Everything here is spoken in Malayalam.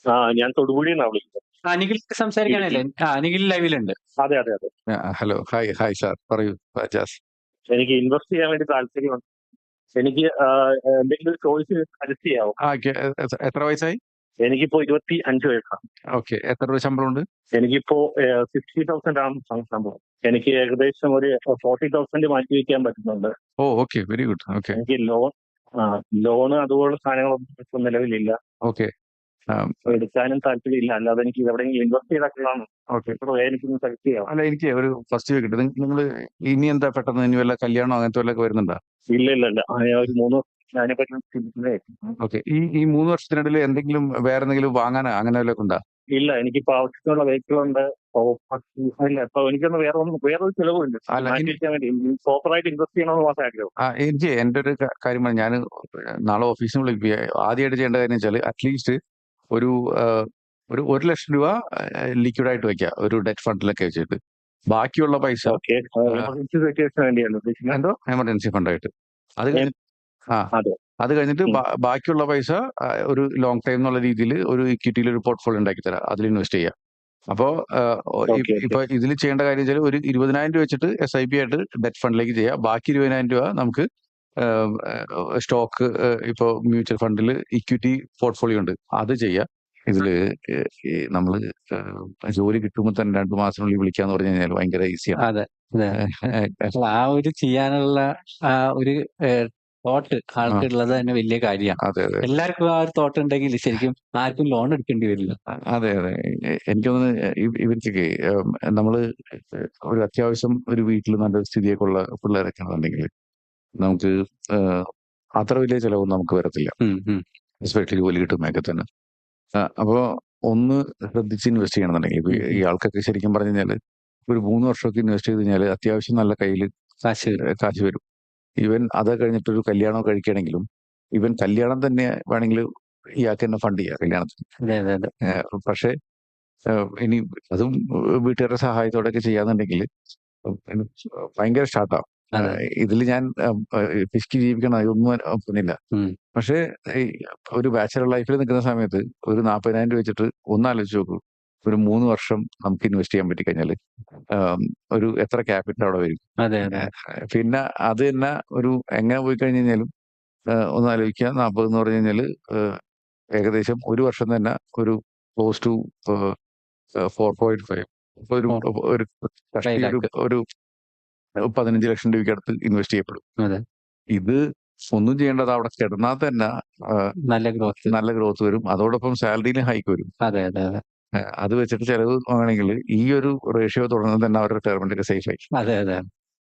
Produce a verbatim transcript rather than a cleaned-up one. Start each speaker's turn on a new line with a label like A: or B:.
A: ആ ഞാൻ തൊടുപുഴയിൽ വിളിക്കുന്നത്.
B: ആ നിഖിൽ
A: ഇടുക്കി.
B: സംസാരിക്കാനല്ലേ? ആ നിഖിൽ ലൈവിലുണ്ട്.
A: അതെ അതെ അതെ.
C: ഹലോ, ഹായ് ഹായ് സാർ, പറയൂ ജാസ്.
A: എനിക്ക് ഇൻവെസ്റ്റ് ചെയ്യാൻ വേണ്ടി താല്പര്യമുണ്ട്. എനിക്ക് ആ, എന്തെങ്കിലും ചോയ്സ് സജസ്റ്റ് ചെയ്യാവോ?
C: ആ കെ- എ- എത്ര വയസ്സായി?
A: എനിക്കിപ്പോ ഇരുപത്തി അഞ്ച് വയസ്സാണ്.
C: ഓക്കെ, എത്ര രൂപ ശമ്പളം ഉണ്ട്?
A: എനിക്കിപ്പോ സിക്സ്റ്റി തൗസൻഡ് ആണ് സം- സംഭവം. എനിക്ക് ഏകദേശം ഒരു ഫോർട്ടി തൗസൻഡ് മാറ്റി വയ്ക്കാൻ പറ്റുന്നുണ്ട്.
C: ഓ ഓക്കെ, വെരി ഗുഡ്. ഓക്കെ
A: എനിക്ക് ലോൺ ആ ലോണ് അതുപോലുള്ള സാധനങ്ങളൊന്നും ഇപ്പൊ നിലവിലില്ല.
C: ഓക്കെ
A: അപ്പൊ എടുക്കാനും താല്പര്യമില്ല. അല്ലാതെ എനിക്ക് എവിടെയെങ്കിലും ഇൻവെസ്റ്റ് ചെയ്താൽ
C: ഓക്കെ.
A: എനിക്കൊന്ന് സജസ്റ്റ് ചെയ്യാം.
C: അല്ല, എനിക്ക് ഒരു ഫസ്റ്റ് ചോദിക്കട്ടെ, നിങ്ങൾ ഇനി എന്താ പെട്ടെന്ന് ഇനി വല്ല കല്യാണം അങ്ങനത്തെ വല്ലതൊക്കെ വരുന്നുണ്ടോ?
A: ഇല്ല ഇല്ല ഇല്ല ആ, ഞാൻ ഒരു മൂന്ന് വർഷം അതിനെപ്പറ്റി ചിന്തിക്കുന്നേ.
C: ഓക്കെ, ഈ ഈ മൂന്ന് വർഷത്തിനിടയിൽ എന്തെങ്കിലും വേറെ എന്തെങ്കിലും വാങ്ങാനോ അങ്ങനെ വല്ലതൊക്കെ ഉണ്ടോ?
A: ഇല്ല, എനിക്കിപ്പോ ആവശ്യത്തിനുള്ള വെഹിക്കിൾ ഉണ്ട്. ഓ, ഇല്ല, ഇപ്പൊ എനിക്കൊന്ന് വേറെ ഒന്നും വേറൊരു ചെലവുമില്ല.
C: അല്ല,
A: മാറ്റി
C: ഇനി
A: വെക്കാൻ വേണ്ടി പ്രോപ്പറായിട്ട് ഇൻവെസ്റ്റ് ചെയ്യണമെന്ന് മാത്രമേ ആഗ്രഹം.
C: ആ എനിക്ക് എൻ്റെ ഒരു ക- കാര്യം ഞാൻ നാളെ ഓഫീസിൽ വിളിക്കുക. ആദ്യമായിട്ട് ചെയ്യേണ്ട കാര്യം വെച്ചാൽ അറ്റ്ലീസ്റ്റ് ഒരു ആ, ഒരു ഒരു ലക്ഷം രൂപ ലിക്വിഡായിട്ട് വെക്കുക, ഒരു ഡെറ്റ് ഫണ്ടിലൊക്കെ വെച്ചിട്ട്. ബാക്കിയുള്ള പൈസ
A: ഓക്കെ, എമർജൻസി സിറ്റുവേഷന് വേണ്ടിയാണ് ഉദ്ദേശിക്കുന്നത്.
C: എന്തോ എമർജൻസി ഫണ്ടായിട്ട്. അത് കഴിഞ്ഞ് ആ
A: അതെ.
C: അത് കഴിഞ്ഞിട്ട്
A: ഉം.
C: ബാ- ബാക്കിയുള്ള പൈസ ആ, ഒരു ലോങ് ടൈം എന്നുള്ള രീതിയിൽ ഒരു ഇക്വിറ്റിയിൽ ഒരു പോർട്ട്ഫോളിയോ ഉണ്ടാക്കി തരാം, അതിൽ ഇൻവെസ്റ്റ് ചെയ്യാം. അപ്പോൾ
A: ഓക്കെ ഓക്കെ.
C: ഇപ്പൊ ഇതിൽ ചെയ്യേണ്ട കാര്യം വെച്ചാൽ ഒരു ഇരുപതിനായിരം രൂപ വെച്ചിട്ട് എസ് ഐ പി ആയിട്ട് ഡെറ്റ് ഫണ്ടിലേക്ക് ചെയ്യാം. ബാക്കി ഇരുപതിനായിരം രൂപ നമുക്ക് സ്റ്റോക്ക്, ഇപ്പോൾ മ്യൂച്വൽ ഫണ്ടിൽ ഇക്വിറ്റി പോർട്ട്ഫോളിയോ ഉണ്ട്, അത് ചെയ്യാം. ഇതില് നമ്മൾ ജോലി കിട്ടുമ്പോൾ തന്നെ രണ്ടു മാസത്തിനുള്ളിൽ വിളിക്കാന്ന് പറഞ്ഞു കഴിഞ്ഞാൽ ഭയങ്കര ഈസിയാണ്.
B: അതെ അതെ. അല്ല, ആ ഒരു ചെയ്യാനുള്ള ആ ഒരു തോട്ട് ആൾക്കുള്ളത് തന്നെ വലിയ കാര്യമാണ്.
C: അതെ അതെ
B: എല്ലാവർക്കും ആ ഒരു തോട്ട് ഉണ്ടെങ്കിൽ ശരിക്കും ആർക്കും ലോൺ എടുക്കേണ്ടി വരില്ല.
C: അതെ അതെ. എ- എനിക്ക് തോന്നുന്നു ഇവ- ഇവർക്കൊക്കെ ഉം, നമ്മള് ഒരു അത്യാവശ്യം ഒരു വീട്ടിൽ നല്ല സ്ഥിതിയൊക്കെ ഉള്ള പിള്ളേരൊക്കെ ആണെന്നുണ്ടെങ്കിൽ നമുക്ക് ഏഹ്, അത്ര വലിയ ചിലവൊന്നും നമുക്ക് വരത്തില്ല,
B: ഉം, ഉം.
C: എസ്പെഷ്യലി ജോലി കിട്ടുമ്പോഴൊക്കെ തന്നെ. ആ, അപ്പോ ഒന്ന് ശ്രദ്ധിച്ച് ഇൻവെസ്റ്റ് ചെയ്യണമെന്നുണ്ടെങ്കിൽ ഇപ്പൊ
B: ഉം,
C: ഈ
B: ഉം.
C: ആൾക്കൊക്കെ ശരിക്കും പറഞ്ഞു കഴിഞ്ഞാൽ ഒരു മൂന്ന് വർഷമൊക്കെ ഇൻവെസ്റ്റ് ചെയ്ത് കഴിഞ്ഞാൽ അത്യാവശ്യം നല്ല കയ്യിൽ
B: കാശ് വരും.
C: കാശ് വരും. ഈവൻ അത് കഴിഞ്ഞിട്ടൊരു കല്യാണം കഴിക്കുകയാണെങ്കിലും ഈവൻ കല്യാണം തന്നെ വേണമെങ്കിൽ ഇയാൾക്ക് തന്നെ ഫണ്ട് ചെയ്യാം കല്യാണത്തിന്.
B: അതെ അതെ അതെ.
C: ഏഹ് പക്ഷേ ഏഹ് ഇനി അതും വീട്ടുകാരുടെ സഹായത്തോടെയൊക്കെ ചെയ്യാന്നുണ്ടെങ്കിൽ ഭയങ്കര സ്റ്റാർട്ടാവും.
B: അതെ.
C: ഇതിൽ ഞാൻ പിശുക്കി ജീവിക്കണം അതൊന്നും ഒന്നില്ല.
B: ഉം.
C: പക്ഷേ ഈ ഒരു ബാച്ചലർ ലൈഫിൽ നിൽക്കുന്ന സമയത്ത് ഒരു നാൽപ്പതിനായിരം രൂപ വെച്ചിട്ട് ഒന്നാലോചിച്ച് നോക്കൂ, ഒരു മൂന്ന് വർഷം നമുക്ക് ഇൻവെസ്റ്റ് ചെയ്യാൻ പറ്റിക്കഴിഞ്ഞാൽ ഒരു എത്ര ക്യാപിറ്റൽ അവിടെ വരും.
B: അതെ അതെ.
C: ഏഹ് പിന്നെ അത് തന്നെ ഒരു എങ്ങനെ പോയി കഴിഞ്ഞ് കഴിഞ്ഞാലും ഏഹ് ഒന്ന് ആലോചിക്കുക, നാൽപ്പത് എന്ന് പറഞ്ഞു കഴിഞ്ഞാൽ ഏകദേശം ഒരു വർഷം തന്നെ ഒരു close to four point five ഒരു
B: Four.
C: ഒരു കഷ്ടി
B: Five
C: ഒരു
B: lakh.
C: ഒരു പതിനഞ്ച് ലക്ഷം രൂപയ്ക്ക് അടുത്ത് ഇൻവെസ്റ്റ് ചെയ്യപ്പെടും.
B: അതെ.
C: ഇത് ഒന്നും ചെയ്യേണ്ടത് അവിടെ കിടന്നാൽ തന്നെ ആ,
B: നല്ല ഗ്രോത്ത്.
C: നല്ല ഗ്രോത്ത് വരും, അതോടൊപ്പം സാലറിയിലും ഹൈക്ക് വരും.
B: അതെ അതെ അതെ.
C: ഏഹ് അത് വെച്ചിട്ട് ചെലവ് വാങ്ങണമെങ്കിൽ ഈ ഒരു റേഷ്യോ തുടർന്ന് തന്നെ അവരുടെ റിട്ടയർമെന്റ് ഒക്കെ സേഫ് ആയി.
B: അതെ അതെ.